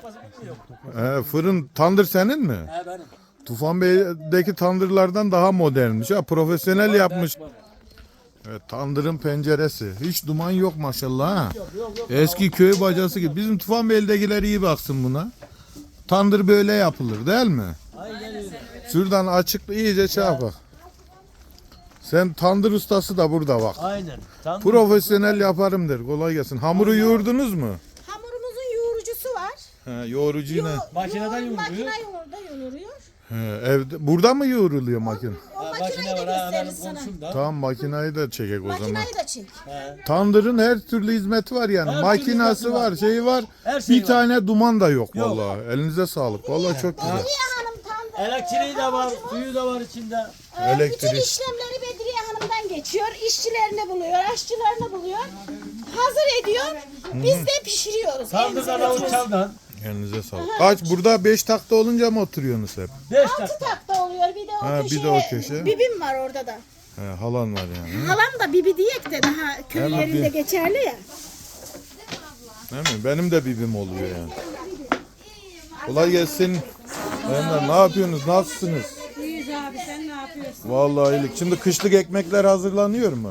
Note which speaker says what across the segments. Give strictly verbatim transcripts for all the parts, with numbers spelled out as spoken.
Speaker 1: yapması bilmiyor.
Speaker 2: He, fırın tandır senin mi?
Speaker 1: He benim.
Speaker 2: Tufan Bey'deki tandırlardan daha modernmiş. Ha, profesyonel yapmış.
Speaker 1: Ben-
Speaker 2: Evet, tandırın penceresi. Hiç duman yok maşallah ha.
Speaker 1: Yok yok yok.
Speaker 2: Eski köy bacası gibi. Bizim Tufan Bey'dekiler iyi baksın buna. Tandır böyle yapılır değil mi?
Speaker 1: Aynen öyle.
Speaker 2: Şuradan açık iyice şey yap bak. Sen tandır ustası da burada bak.
Speaker 1: Aynen. Tandır.
Speaker 2: Profesyonel yaparım der. Kolay gelsin. Hamuru yoğurdunuz mu?
Speaker 3: Hamurumuzun yoğurucusu var.
Speaker 2: He, yoğurucuyla.
Speaker 3: Yo-
Speaker 1: Makineden
Speaker 3: yoğur-
Speaker 1: yoğuruyor.
Speaker 3: Makine yoğurda yoğuruyor.
Speaker 2: He, evde burada mı yoğruluyor makine?
Speaker 3: O
Speaker 1: Ha,
Speaker 3: makineyi
Speaker 1: makine
Speaker 3: de
Speaker 1: var ha hemen
Speaker 3: gösteririz sana.
Speaker 1: komşumda.
Speaker 2: Tamam, makinayı da çekek o zaman.
Speaker 3: Makineyi de çek.
Speaker 1: He.
Speaker 2: Tandırın her türlü hizmeti var yani.
Speaker 1: Her türlü
Speaker 2: Makinası
Speaker 1: hizmeti
Speaker 2: var,
Speaker 1: var.
Speaker 2: şeyi var.
Speaker 1: Her şey
Speaker 2: bir
Speaker 1: var.
Speaker 2: tane duman da yok,
Speaker 1: Yok.
Speaker 2: vallahi. Elinize sağlık. Vallahi çok güzel.
Speaker 3: Bedriye Hanım tandır.
Speaker 1: Elektriği de var, suyu da var içinde.
Speaker 3: Ee,
Speaker 2: Elektrik.
Speaker 3: Bütün işlemleri Bedriye Hanım'dan geçiyor. İşçilerini buluyor, aşçılarını buluyor. Hazır ediyor. Biz de pişiriyoruz.
Speaker 1: Tandır da
Speaker 3: Elimize
Speaker 1: Davut
Speaker 3: götürüyoruz.
Speaker 1: Çal'dan.
Speaker 2: Elinize sağlık. Kaç burada beş takta olunca mı oturuyorsunuz hep?
Speaker 1: Beş
Speaker 3: Altı
Speaker 1: dakika.
Speaker 3: takta oluyor. Bir de o
Speaker 2: Ha, bir de
Speaker 3: köşeye.
Speaker 2: o köşe.
Speaker 3: Bibim var orada da.
Speaker 2: He, halan var yani.
Speaker 3: Halam da bibi diyek de daha köy
Speaker 2: Hemen
Speaker 3: yerinde
Speaker 2: bir-
Speaker 3: geçerli ya.
Speaker 2: Değil mi? Benim de bibim oluyor yani. Kolay gelsin. Beyler, ne yapıyorsunuz? Nasılsınız?
Speaker 4: İyiyiz abi, sen ne yapıyorsun?
Speaker 2: Vallahi iyilik. Şimdi kışlık ekmekler hazırlanıyor mu?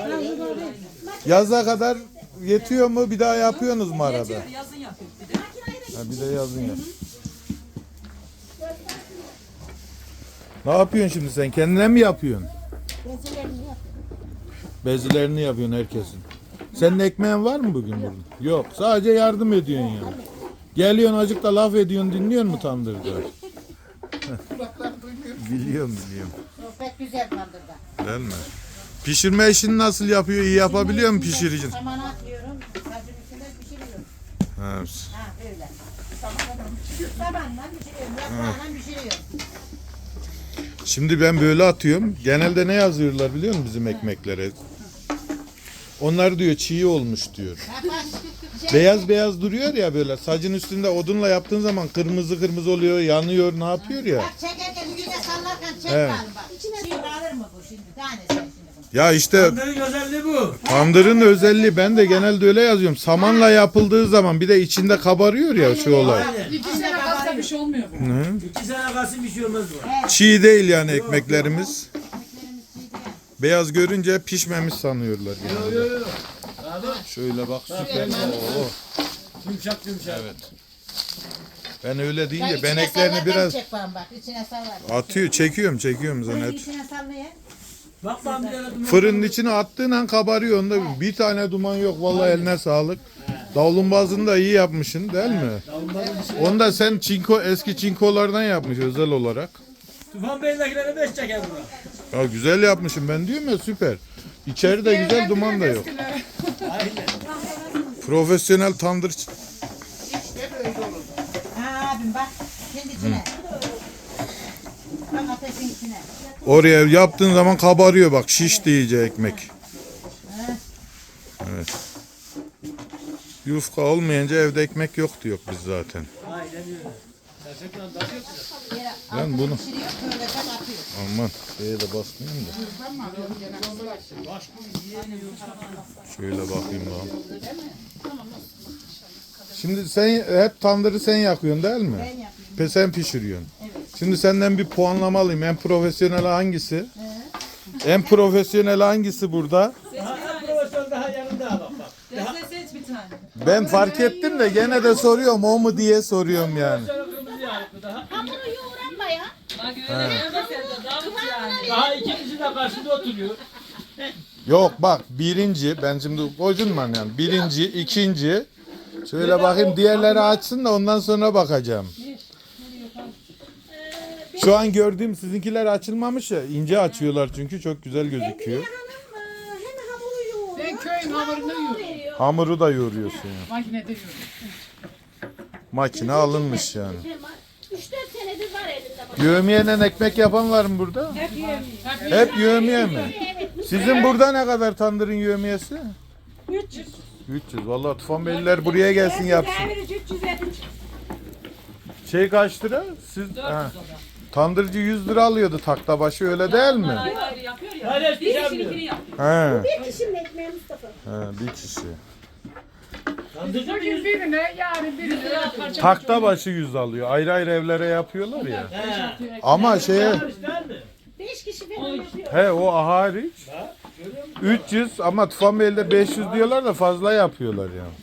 Speaker 2: Yaza kadar yetiyor mu? Bir daha yapıyorsunuz mu arada?
Speaker 4: Yazın yapıyoruz bir de.
Speaker 2: Ha, bir de yazın yap. Ne yapıyorsun şimdi sen? Kendine mi yapıyorsun? Bezilerini yapıyorsun herkesin. Senin ekmeğin var mı bugün burada? Yok. Sadece yardım ediyorsun yani. Geliyorsun azıcık da laf ediyorsun, dinliyor mu tandırda? biliyorum biliyorum.
Speaker 5: Pek güzel tandırda.
Speaker 2: Değil mi? Pişirme işini nasıl yapıyor? İyi yapabiliyor mu pişirici?
Speaker 5: Samana atıyorum, sacın üstünde pişiriyorum.
Speaker 2: Ha,
Speaker 5: Ha öyle. Samanla pişiriyorum, yaprağıyla pişiriyorum.
Speaker 2: şimdi ben böyle atıyorum. Genelde ne yazıyorlar biliyor musun bizim ekmeklere? Onlar diyor çiğ olmuş diyor. Beyaz beyaz duruyor ya böyle. Sacın üstünde odunla yaptığın zaman kırmızı kırmızı oluyor, yanıyor, ne yapıyor ya?
Speaker 5: Bak çekerken üstüne sallarken çek
Speaker 2: Evet.
Speaker 5: bakalım bak. Çiğ alır mı bu şimdi? Tanesi şimdi bunu.
Speaker 2: Ya işte
Speaker 1: Tandırın özelliği bu.
Speaker 2: tandırın özelliği, ben de genelde öyle yazıyorum. Samanla yapıldığı zaman bir de içinde kabarıyor ya şu olay.
Speaker 1: Aynen.
Speaker 4: İki sene kalsa bir şey olmuyor bu.
Speaker 2: Hı?
Speaker 1: İki sene kalsın bir şey olmaz bu.
Speaker 2: Çiğ değil yani ekmeklerimiz. Beyaz görünce pişmemiş sanıyorlar yani.
Speaker 1: Yok yok yok. Abi
Speaker 2: Şöyle bak süper. Oo.
Speaker 1: yumuşak yumuşak.
Speaker 2: Evet. Ben öyle
Speaker 5: Bak
Speaker 2: deyince
Speaker 5: içine
Speaker 2: beneklerini
Speaker 5: sallarken
Speaker 2: biraz
Speaker 5: çek bakalım bak. İçine sallar.
Speaker 2: atıyor, çekiyorum, çekiyorum zaten.
Speaker 5: İçine sallayın.
Speaker 1: Bak ben bir tane duman.
Speaker 2: Fırının içine attığın an kabarıyor, onda bir tane duman yok. Vallahi eline sağlık. Davlumbazını da iyi yapmışsın değil mi? Onu da sen çinko, eski çinkolardan yapmış özel olarak.
Speaker 1: Tufan Bey'dekilere beş çeker buna.
Speaker 2: Ya güzel yapmışım ben diyorum ya, süper. İçeride güzel, duman da yok.
Speaker 1: Aynen.
Speaker 2: Profesyonel tandır.
Speaker 5: Ha abim bak. Kendi içine. Bak ateşin içine.
Speaker 2: Oraya yaptığın zaman kabarıyor bak, şiş iyice ekmek. Evet. Yufka olmayınca evde ekmek yok diyor biz zaten.
Speaker 1: Aynen öyle. Gerçekten tadı yok.
Speaker 5: Yere
Speaker 2: Ben
Speaker 5: altına
Speaker 2: bunu-
Speaker 5: pişiriyor. Böyle de atıyor.
Speaker 2: Aman şeye de basmayayım da. Şöyle bakayım daha. Şimdi sen hep tandırı sen yakıyorsun değil mi?
Speaker 5: Ben yapıyorum.
Speaker 2: Pe sen pişiriyorsun. Şimdi senden bir puanlama alayım. En profesyonel hangisi? En profesyonel hangisi burada?
Speaker 1: Daha en profesör daha yanında bak bak.
Speaker 4: Sen seç bir tane.
Speaker 2: Ben fark ettim de gene de soruyorum, o mu diye soruyorum yani.
Speaker 1: Şöyle kırmızı yağlıklı daha.
Speaker 3: Hamuru yoğuran bayağı.
Speaker 4: Bak öyle deme sen de Davut yani.
Speaker 1: Daha ikincisi de karşıda oturuyor.
Speaker 2: Yok bak, birinci, ben şimdi gocunmam yani. Birinci, ikinci. Şöyle bakayım, diğerleri açsın da ondan sonra bakacağım. Şu an gördüğüm sizinkiler açılmamış ya, ince açıyorlar çünkü çok güzel
Speaker 3: Bedriye
Speaker 2: gözüküyor.
Speaker 3: Hanım e, hem hamuru yoğuruyor.
Speaker 4: Ben köyün hamurunu yiyorum.
Speaker 3: veriyor.
Speaker 2: Hamuru da yoğuruyorsun ya.
Speaker 4: Makinede yiyorum.
Speaker 2: Makine alınmış yani.
Speaker 3: üç dört senedir var elinde bak.
Speaker 2: Yövmiyeden ekmek yapan var mı burada?
Speaker 4: Hep yiyorum. Hep
Speaker 2: Hep yövmiye mi?
Speaker 3: Evet.
Speaker 2: Sizin burada ne kadar tandırın yövmiyesi?
Speaker 4: üç yüz.
Speaker 2: üç yüz. Vallahi Tufan Beyliler buraya gelsin yapsın.
Speaker 4: üç yüz elli.
Speaker 2: Şey kaç lira? Siz ha. Tandırcı yüz lira alıyordu takta başı, öyle değil mi?
Speaker 4: Ayrı ayrı yapıyor ya.
Speaker 1: Hayır, hiçbir şey
Speaker 4: Bir
Speaker 1: yapmıyor.
Speaker 4: işininkini yapıyor.
Speaker 2: He.
Speaker 3: Bir kişinin ekmeği Mustafa.
Speaker 2: He, bir kişi.
Speaker 1: Tandırcı mı
Speaker 4: Bugün
Speaker 1: yüz?
Speaker 4: birine, yarın birine.
Speaker 2: Takta başı yüz alıyor. Ayrı ayrı evlere yapıyorlar ya.
Speaker 1: He.
Speaker 2: Ama şeye
Speaker 1: Hariç değil mi?
Speaker 3: Beş kişi falan yapıyor.
Speaker 2: he o hariç
Speaker 1: Ha, görüyor musun?
Speaker 2: üç yüz ama Tufanbeyli'de beş yüz diyorlar da fazla yapıyorlar yani.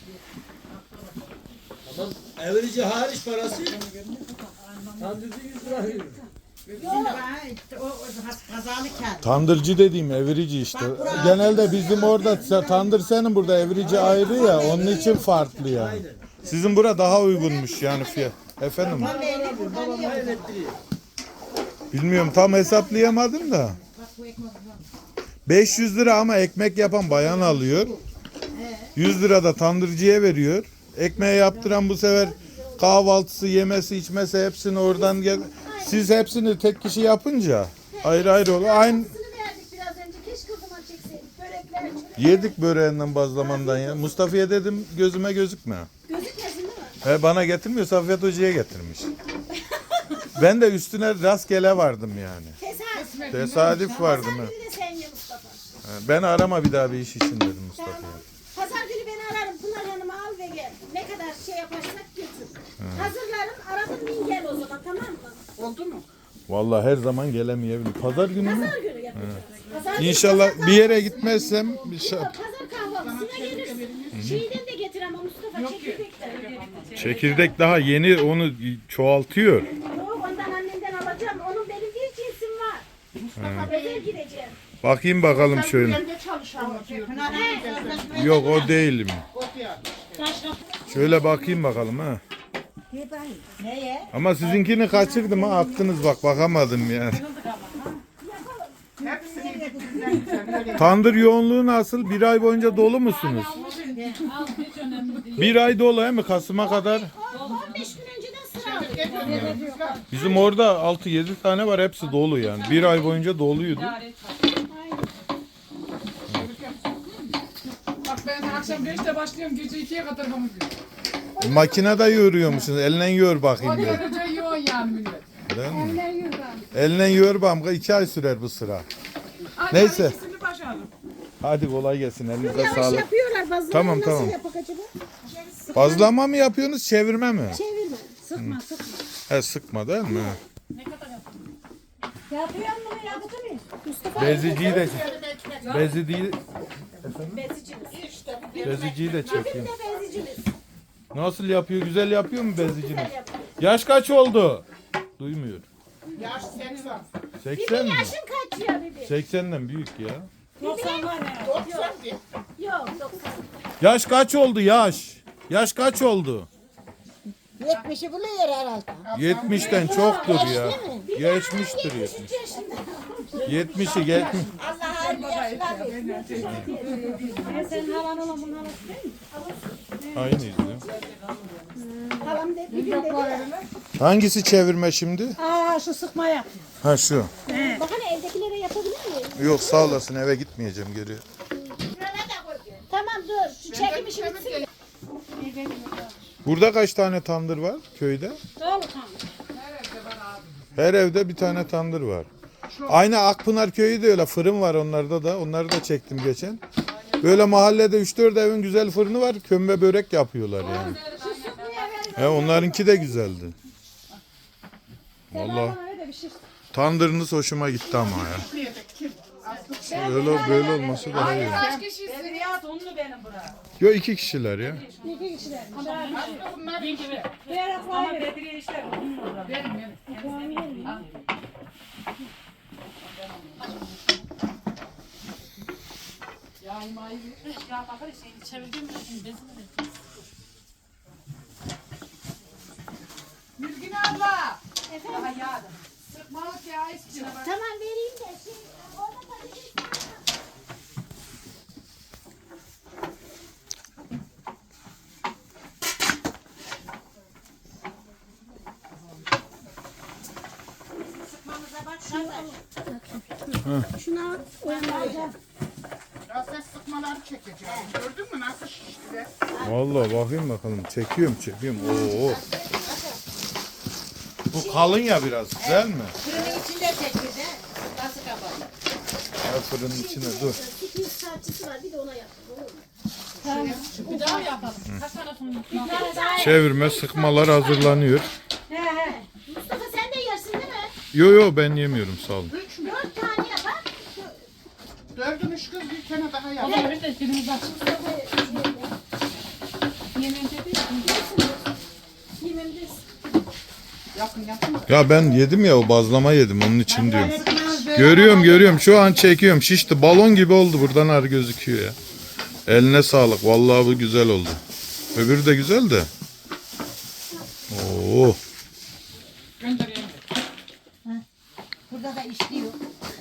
Speaker 1: Ama evrici hariç parası tandırcı yüz lira veriyor.
Speaker 5: Şimdi bana işte o, o kazalı kağıt.
Speaker 2: Tandırcı dediğim evirici işte. Genelde bizim orada tandır senin burada evirici ayrı ya onun için farklı yani. Sizin bura daha uygunmuş yani fiyat. Efendim
Speaker 5: Ben böyle buradan
Speaker 1: Babam
Speaker 5: yiyorum.
Speaker 1: hayrettiriyor.
Speaker 2: bilmiyorum tam hesaplayamadım da.
Speaker 5: Bak bu ekmek var.
Speaker 2: beş yüz lira ama ekmek yapan bayan alıyor. yüz lira da tandırcıya veriyor. Ekmeği yaptıran bu sefer kahvaltısı, yemesi, içmesi hepsini oradan gel. Siz hepsini tek kişi yapınca ayrı ayrı oluyor. Aynı
Speaker 3: Aynısını verdik biraz önce. Keşke o zaman çekseydik. Börekler, çörek.
Speaker 2: yedik böreğinden bazlamandan ya. Mustafa'ya dedim gözüme gözükme.
Speaker 3: Gözükmesin değil mi?
Speaker 2: He bana getirmiyor Safiyet Hoca'ya getirmiş. Ben de üstüne rastgele vardım yani.
Speaker 3: Tesadüf.
Speaker 2: Tesadüf vardım.
Speaker 3: Pazar
Speaker 2: he.
Speaker 3: günü de sen ye Mustafa.
Speaker 2: He, Ben arama bir daha bir iş için dedim Mustafa'ya.
Speaker 3: Tamam. Pazar günü beni ararım. Pınar Hanım'ı al ve gel. Ne kadar şey yaparsak götür. Hazırlarım. Aradım bin gel o zaman, tamam mı?
Speaker 4: Oldu mu?
Speaker 2: Vallahi her zaman gelemeyebilir. Pazar günü mü?
Speaker 3: Pazar günü yapacağız. Pazar günü
Speaker 2: İnşallah
Speaker 3: pazar
Speaker 2: bir yere
Speaker 3: kahvaltısı-
Speaker 2: gitmezsem bir şey.
Speaker 3: Yok, pazar kahvaltısına gelirsin. Şeyden de getir ama Mustafa çekirdekten.
Speaker 2: Çekirdek daha yeni onu çoğaltıyor.
Speaker 3: Yok, ondan annemden alacağım. Onun benim bir cinsim var. Mustafa özel gideceğim.
Speaker 2: Bakayım bakalım şöyle.
Speaker 5: Pınar Hanım sözleşme.
Speaker 2: Yok o değilim. Şöyle bakayım bakalım ha.
Speaker 5: Neye?
Speaker 2: Ama sizinkini kaçırdım ha attınız bak bakamadım yani. Tandır yoğunluğu nasıl? Bir ay boyunca dolu musunuz? Bir ay dolu he mi? Kasım'a kadar.
Speaker 3: on beş gün önceden sıra alıyor.
Speaker 2: Bizim orada altı yedi tane var hepsi dolu yani. Bir ay boyunca doluydu.
Speaker 4: Bak ben akşam beşte başlıyorum, gece ikiye kadar hamur yiyorum.
Speaker 2: Makinede yoğuruyormuşsunuz. Eline yoğur bakayım
Speaker 4: O
Speaker 2: bir.
Speaker 4: derece yoğun yani millet.
Speaker 2: Değil mi? Eline yoğur bakayım. iki ay sürer bu sıra. Neyse.
Speaker 4: Neyse. İkisini başardım.
Speaker 2: Hadi kolay gelsin. Elinize
Speaker 3: Yavaş
Speaker 2: sağlık.
Speaker 3: yapıyorlar bazıları.
Speaker 2: Tamam,
Speaker 3: Nasıl
Speaker 2: tamam.
Speaker 3: yapak acaba?
Speaker 2: Bazlama mı yapıyorsunuz çevirme mi?
Speaker 3: Çevirme. Sıkma sıkma.
Speaker 2: He sıkma değil mi?
Speaker 3: Yapıyor mu? Yaptı mı? Mustafa
Speaker 2: Beziciyi de Beziciyi
Speaker 3: bezicimiz.
Speaker 2: Beziciyi de
Speaker 3: Bizim
Speaker 2: çekeyim.
Speaker 3: de bezicimiz.
Speaker 2: Nasıl yapıyor? Güzel yapıyor mu beziciniz?
Speaker 3: Güzel yapıyor.
Speaker 2: Yaş kaç oldu? Duymuyor.
Speaker 4: Yaş seksen.
Speaker 2: seksen mi?
Speaker 3: Yaşın kaç ya bibi?
Speaker 2: seksenden büyük ya.
Speaker 4: doksan var ya. doksan diye.
Speaker 3: Yok doksan.
Speaker 2: Yaş kaç oldu yaş? Yaş kaç oldu?
Speaker 5: yetmişi buluyor herhalde.
Speaker 2: yetmişten çoktur ya. Geçmiştir yetmiş. yetmişi geçmiş.
Speaker 5: Allah hayırlı yaşlar versin.
Speaker 3: Sen havan olan bunun havası değil mi?
Speaker 2: Aynıyız ya.
Speaker 3: Halam dedi, bir gün dedi.
Speaker 2: Hangisi çevirme şimdi?
Speaker 3: Aa şu sıkma yap.
Speaker 2: Ha şu.
Speaker 3: Bak hani evdekilere yapabilir miyim?
Speaker 2: Yok sağ olasın eve gitmeyeceğim geri.
Speaker 3: Tamam dur. Şu çekim işi bitsin.
Speaker 2: Burada kaç tane tandır var köyde?
Speaker 3: Dolu tamam.
Speaker 2: Her evde bir tane tandır var. Aynı Akpınar köyü de öyle fırın var onlarda da. Onları da çektim geçen. Böyle mahallede üç dört evin güzel fırını var. Kömbe börek yapıyorlar yani. He, onlarınki de güzeldi. Vallahi
Speaker 3: Öyle bir şey.
Speaker 2: tandırınız hoşuma gitti ama ya. Öyle böyle olması daha iyi.
Speaker 4: Kaç kişisin? Riyad onlu benim bura.
Speaker 2: Yok iki kişiler ya.
Speaker 3: İki kişiler.
Speaker 4: Bunlar gibi.
Speaker 3: Diğer
Speaker 4: Ama Bedriye işler onun orada. Benim benim. Ya imayı ya bakar şeyini çevirdim mi şimdi bezini de. Mülgün abla.
Speaker 3: Efendim?
Speaker 4: Daha yağdım. Sıkmalık ya istiyor.
Speaker 3: Tamam vereyim de. Şey, orada patates var.
Speaker 5: Sıkmamıza bak kardeş.
Speaker 3: Şuna uyanmayacağım.
Speaker 4: Ya sen sıkmaları çekeceğim. Gördün mü nasıl şişti be?
Speaker 2: Vallahi bakayım bakalım. Çekiyorum çekiyorum. Oo. Bu kalın ya biraz güzel mi?
Speaker 5: Fırının içinde çekti de. Nasıl kapalı?
Speaker 2: Ya fırının içine dur.
Speaker 3: Sürpriz saatçisi var bir de ona yaptım. Olur mu?
Speaker 4: Bir daha yapalım. Kaç tane fındık?
Speaker 2: Çevirme, sıkmalar hazırlanıyor.
Speaker 3: Mustafa sen de yersin değil mi?
Speaker 2: Yo yo ben yemiyorum sağ olun.
Speaker 3: Dört tane yapar.
Speaker 5: Dördün üç kız bir tane daha yap.
Speaker 4: Ama bir de birimiz açık. Yemeğin dedi ya.
Speaker 3: Yemeğimiz.
Speaker 5: Yakın yakın.
Speaker 2: Ya ben yedim ya o bazlama yedim onun için diyorum. Görüyorum görüyorum şu an çekiyorum şişti balon gibi oldu buradan ar gözüküyor ya. Eline sağlık vallahi bu güzel oldu. Öbürü de güzel de. Oo.
Speaker 4: Göndereyim.
Speaker 5: Burada da işliyor.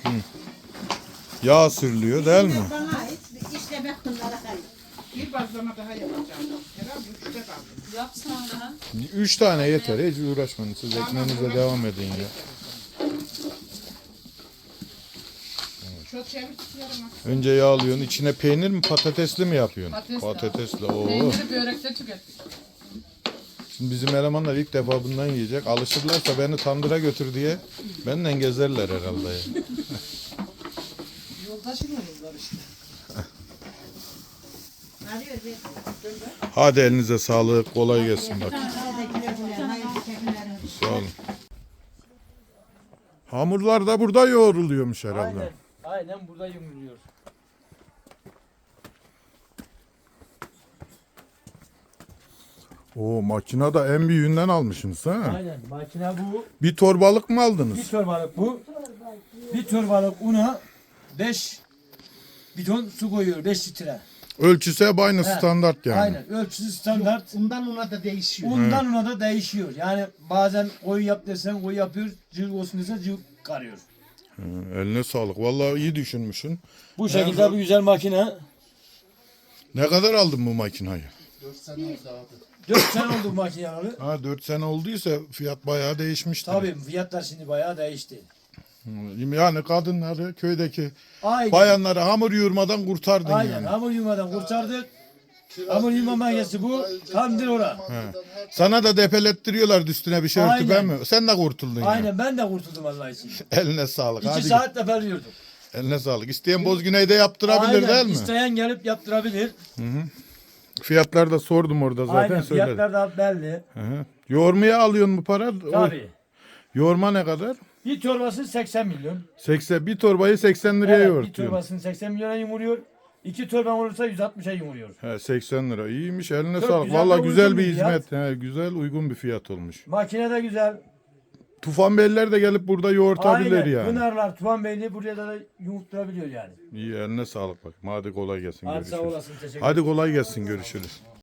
Speaker 2: Yağ sürülüyor değil mi?
Speaker 5: Bana ait işlemek bunlara kayıp. Bir bazlama daha yapacağım. Herhalde üçte kaldı.
Speaker 4: Yapsana.
Speaker 2: Üç tane yeter hiç uğraşmayın siz ekmeğinize devam edin ya.
Speaker 5: Çok çevir tutuyorum.
Speaker 2: Önce yağlıyorsun içine peynir mi patatesli mi yapıyorsun?
Speaker 4: Patatesli.
Speaker 2: Patatesli. Oo.
Speaker 4: Peyniri börekte tükettik.
Speaker 2: Şimdi bizim elemanlar ilk defa bundan yiyecek. Alışırlarsa beni tandıra götür diye benden gezerler herhalde ya.
Speaker 1: Yoldaşın olurlar işte.
Speaker 5: Arıyor bir.
Speaker 2: Hadi elinize sağlık kolay gelsin bak.
Speaker 5: Şuradakiler buraya. Hayır tekinlerin.
Speaker 2: Sağ olun. Hamurlar da burada yoğruluyormuş herhalde.
Speaker 1: Aynen. Aynen burada yumuluyor.
Speaker 2: Oo makina da en büyüğünden almışsınız ha.
Speaker 1: Aynen. Makine bu.
Speaker 2: Bir torbalık mı
Speaker 1: Bir
Speaker 2: aldınız?
Speaker 1: torbalık bu. Bir torbalık una beş bidon su koyuyor beş litre.
Speaker 2: Ölçüsü hep aynı
Speaker 1: He,
Speaker 2: standart yani.
Speaker 1: Aynen. Ölçüsü standart.
Speaker 5: Undan una da değişiyor.
Speaker 1: Undan una da değişiyor. Yani bazen koyu yap desen koyu yapıyor. Cıvık olsun desen cıvık karıyor.
Speaker 2: Hı, eline sağlık. Vallahi iyi düşünmüşsün.
Speaker 1: Bu şekilde bir güzel makine.
Speaker 2: Ne kadar aldın bu makinayı?
Speaker 1: dört sene oldu bu makine alalı.
Speaker 2: Ha dört sene olduysa fiyat bayağı değişmiştir.
Speaker 1: Tabii fiyatlar şimdi bayağı değişti.
Speaker 2: Hı, Yani kadınları köydeki
Speaker 1: Aynen.
Speaker 2: bayanları hamur yoğurmadan kurtardın
Speaker 1: Aynen.
Speaker 2: yani.
Speaker 1: Hamur yummadan kurtardık. Hamur yumma makinesi bu. Tamdır ora.
Speaker 2: Sana da depelettiriyorlar üstüne bir şey örtü
Speaker 1: Aynen.
Speaker 2: ben mi? Sen de kurtuldun ya.
Speaker 1: Aynen ben de kurtuldum Allah için.
Speaker 2: Eline sağlık.
Speaker 1: İki
Speaker 2: Hadi
Speaker 1: saat defeliyordum.
Speaker 2: eline sağlık. İsteyen Bozgüney'de yaptırabilir
Speaker 1: Aynen.
Speaker 2: değil mi?
Speaker 1: İsteyen gelip yaptırabilir.
Speaker 2: Fiyatları da sordum orada zaten
Speaker 1: Aynen.
Speaker 2: söyledim.
Speaker 1: Fiyatlar da belli.
Speaker 2: Hı hı. Yoğurmaya alıyorsun mu para? O-
Speaker 1: Tabii.
Speaker 2: Yoğurma ne kadar?
Speaker 1: Bir torbası seksen milyon.
Speaker 2: seksen bir torbayı seksen liraya
Speaker 1: Evet, bir
Speaker 2: yoğurtuyorsun.
Speaker 1: torbasını seksen milyona yumuruyor. İki torban olursa yüz altmışa yumuruyor.
Speaker 2: He seksen lira. İyiymiş. Eline
Speaker 1: Çok
Speaker 2: sağlık.
Speaker 1: güzel
Speaker 2: Vallahi
Speaker 1: ve
Speaker 2: güzel
Speaker 1: uygun
Speaker 2: bir
Speaker 1: bir fiyat.
Speaker 2: hizmet. He, güzel uygun bir fiyat olmuş.
Speaker 1: Makine de güzel.
Speaker 2: Tufan Beyler de gelip burada yoğurtabilir
Speaker 1: Aynen.
Speaker 2: yani.
Speaker 1: Pınarlar, Tuvan Beyli buraya da yumurtlayabiliyor yani.
Speaker 2: İyi eline sağlık bak. Hadi kolay gelsin.
Speaker 1: Hadi sağ
Speaker 2: Görüşürüz.
Speaker 1: olasın. Teşekkür
Speaker 2: Hadi kolay gelsin. Görüşürüz.